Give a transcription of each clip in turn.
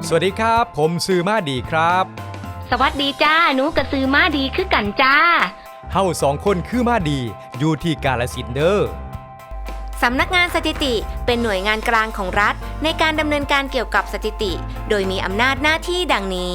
สวัสดีครับผมซื้อมาดีครับสวัสดีจ้าหนูกระซื้อมาดีคือกันจ้าเฮาสองคนคือมาดีอยู่ที่กาฬสินธุ์เด้อสำนักงานสถิติเป็นหน่วยงานกลางของรัฐในการดำเนินการเกี่ยวกับสถิติโดยมีอำนาจหน้าที่ดังนี้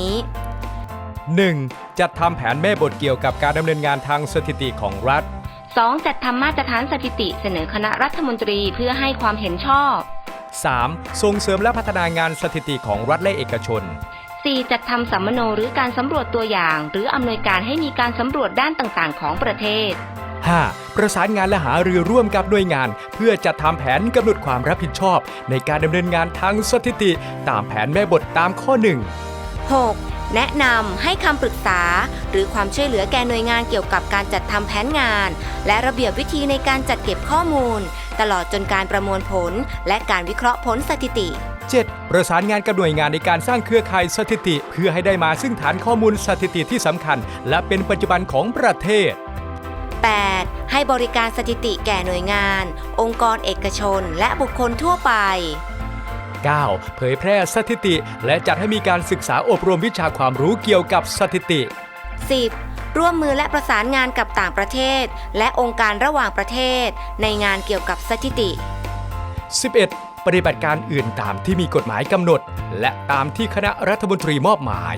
1. จัดทำแผนแม่บทเกี่ยวกับการดำเนินงานทางสถิติของรัฐ 2. จัดทำมาตรฐานสถิติเสนอคณะรัฐมนตรีเพื่อให้ความเห็นชอบ 3. ส่งเสริมและพัฒนางานสถิติของรัฐและเอกชน 4. จัดทำสัมมโนหรือการสำรวจตัวอย่างหรืออำนวยการให้มีการสำรวจด้านต่างๆของประเทศ 5. ประสานงานและหารือร่วมกับหน่วยงานเพื่อจัดทำแผนกำหนดความรับผิดชอบในการดำเนินงานทางสถิติตามแผนแม่บทตามข้อ 1 6. แนะนำให้คำปรึกษาหรือความช่วยเหลือแก่หน่วยงานเกี่ยวกับการจัดทำแผนงานและระเบียบวิธีในการจัดเก็บข้อมูลตลอดจนการประมวลผลและการวิเคราะห์ผลสถิติ 7. ประสานงานกับหน่วยงานในการสร้างเครือข่ายสถิติเพื่อให้ได้มาซึ่งฐานข้อมูลสถิติที่สำคัญและเป็นปัจจุบันของประเทศ 8. ให้บริการสถิติแก่หน่วยงานองค์กรเอกชนและบุคคลทั่วไป 9. เผยแพร่สถิติและจัดให้มีการศึกษาอบรมวิชาความรู้เกี่ยวกับสถิติ 10. ร่วมมือและประสานงานกับต่างประเทศและองค์การระหว่างประเทศในงานเกี่ยวกับสถิติ 11. ปฏิบัติการอื่นตามที่มีกฎหมายกำหนดและตามที่คณะรัฐมนตรีมอบหมาย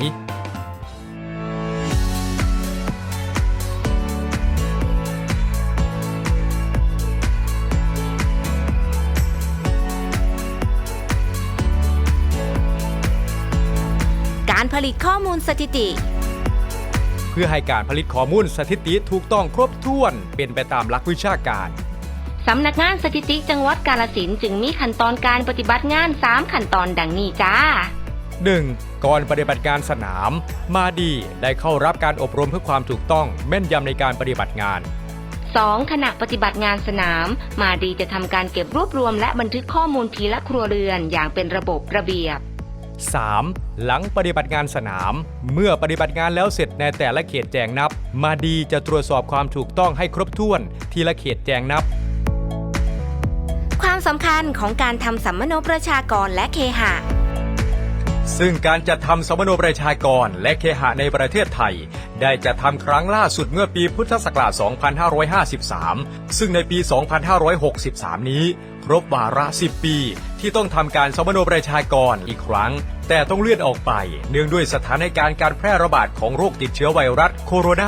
การผลิตข้อมูลสถิติเพื่อให้การผลิตข้อมูลสถิติถูกต้องครบถ้วนเป็นไปตามหลักวิชาการสำนักงานสถิติจังหวัดกาฬสินธุ์จึงมีขั้นตอนการปฏิบัติงาน3ขั้นตอนดังนี้จ้า 1. ก่อนปฏิบัติการสนามมาดีได้เข้ารับการอบรมเพื่อความถูกต้องแม่นยำในการปฏิบัติงาน 2. ขณะปฏิบัติงานสนามมาดีจะทำการเก็บรวบรวมและบันทึกข้อมูลทีละครัวเรือนอย่างเป็นระบบระเบียบ 3. หลังปฏิบัติงานสนามเมื่อปฏิบัติงานแล้วเสร็จในแต่ละเขตแจงนับมาดีจะตรวจสอบความถูกต้องให้ครบถ้วนทีละเขตแจงนับความสำคัญของการทำสัมมโนประชากรและเคหะซึ่งการจัดทำสัมมโนประชากรและเคหะในประเทศไทยได้จัดทำครั้งล่าสุดเมื่อปีพุทธศักราช 2553 ซึ่งในปี 2563 นี้ครบวาระ 10 ปีที่ต้องทำการสัมมโนประชากรอีกครั้งแต่ต้องเลื่อนออกไปเนื่องด้วยสถานการณ์การแพร่ระบาดของโรคติดเชื้อไวรัสโคโรนา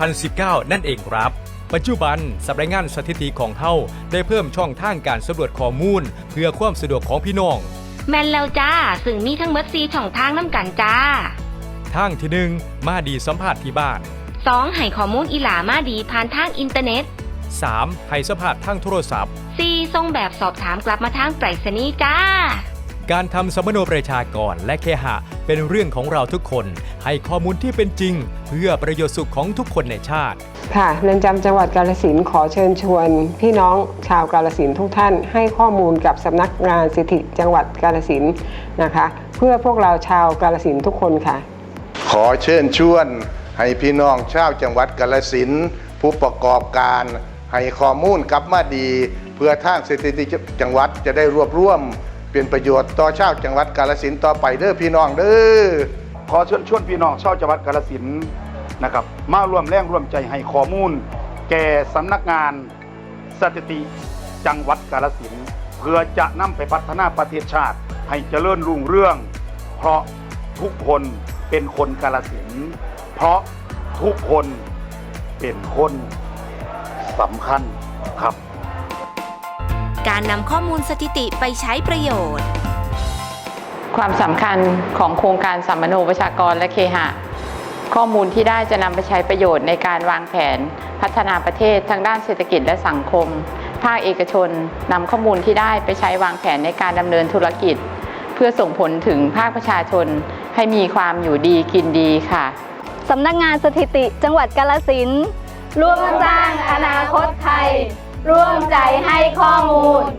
2019 นั่นเองครับปัจจุบันสำนักงานสถิติของเฮาได้เพิ่มช่องทางการสำรวจข้อมูลเพื่อความสะดวกของพี่น้องแม่นแล้วจ้าซึ่งมีทั้งหมด4ช่องทางนำกันจ้าทางที่ 1 มาดีสัมภาษณ์ที่บ้าน 2. ให้ข้อมูลอีหลามาดีผ่านทางอินเทอร์เน็ต 3. ให้สัมภาษณ์ทางโทรศัพท์ 4. ส่งแบบสอบถามกลับมาทางไปรษณีย์จ้าการทำสัมมโนประชากรและเคหะเป็นเรื่องของเราทุกคนให้ข้อมูลที่เป็นจริงเพื่อประโยชน์สุขของทุกคนในชาติค่ะเรือนจำจังหวัดกาฬสินธุ์ขอเชิญชวนพี่น้องชาวกาฬสินธุ์ทุกท่านให้ข้อมูลกับสำนักงานสถิติจังหวัดกาฬสินธุ์นะคะเพื่อพวกเราชาวกาฬสินธุ์ทุกคนค่ะขอเชิญชวนให้พี่น้องชาวจังหวัดกาฬสินธุ์ผู้ประกอบการให้ข้อมูลกับมาดีเพื่อทางสถิติจังหวัดจะได้รวบรวมเป็นประโยชน์ต่อชาวจังหวัดกาฬสินธุ์ต่อไปเด้อพี่น้องเด้อขอเชิญชวนพี่น้องชาวจังหวัดกาฬสินธุ์นะครับมาร่วมแรงร่วมใจให้ข้อมูลแก่สำนักงานสถิติจังหวัดกาฬสินธุ์เพื่อจะนำไปพัฒนาประเทศชาติให้เจริญรุ่งเรืองเพราะทุกคนเป็นคนกาฬสินธุ์เพราะทุกคนเป็นคนสำคัญครับการนำข้อมูลสถิติไปใช้ประโยชน์ความสำคัญของโครงการสัมมโนประชากรและเคหะข้อมูลที่ได้จะนำไปใช้ประโยชน์ในการวางแผนพัฒนาประเทศทั้งด้านเศรษฐกิจและสังคมภาคเอกชนนำข้อมูลที่ได้ไปใช้วางแผนในการดำเนินธุรกิจเพื่อส่งผลถึงภาคประชาชนให้มีความอยู่ดีกินดีค่ะสำนักงานสถิติจังหวัดกาฬสินธุ์ร่วมสร้างอนาคตไทยร่วมใจให้ข้อมูล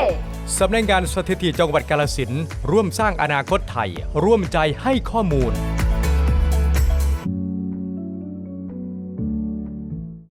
สำนักงานสถิติจังหวัดกาฬสินธุ์ร่วมสร้างอนาคตไทยร่วมใจให้ข้อมูล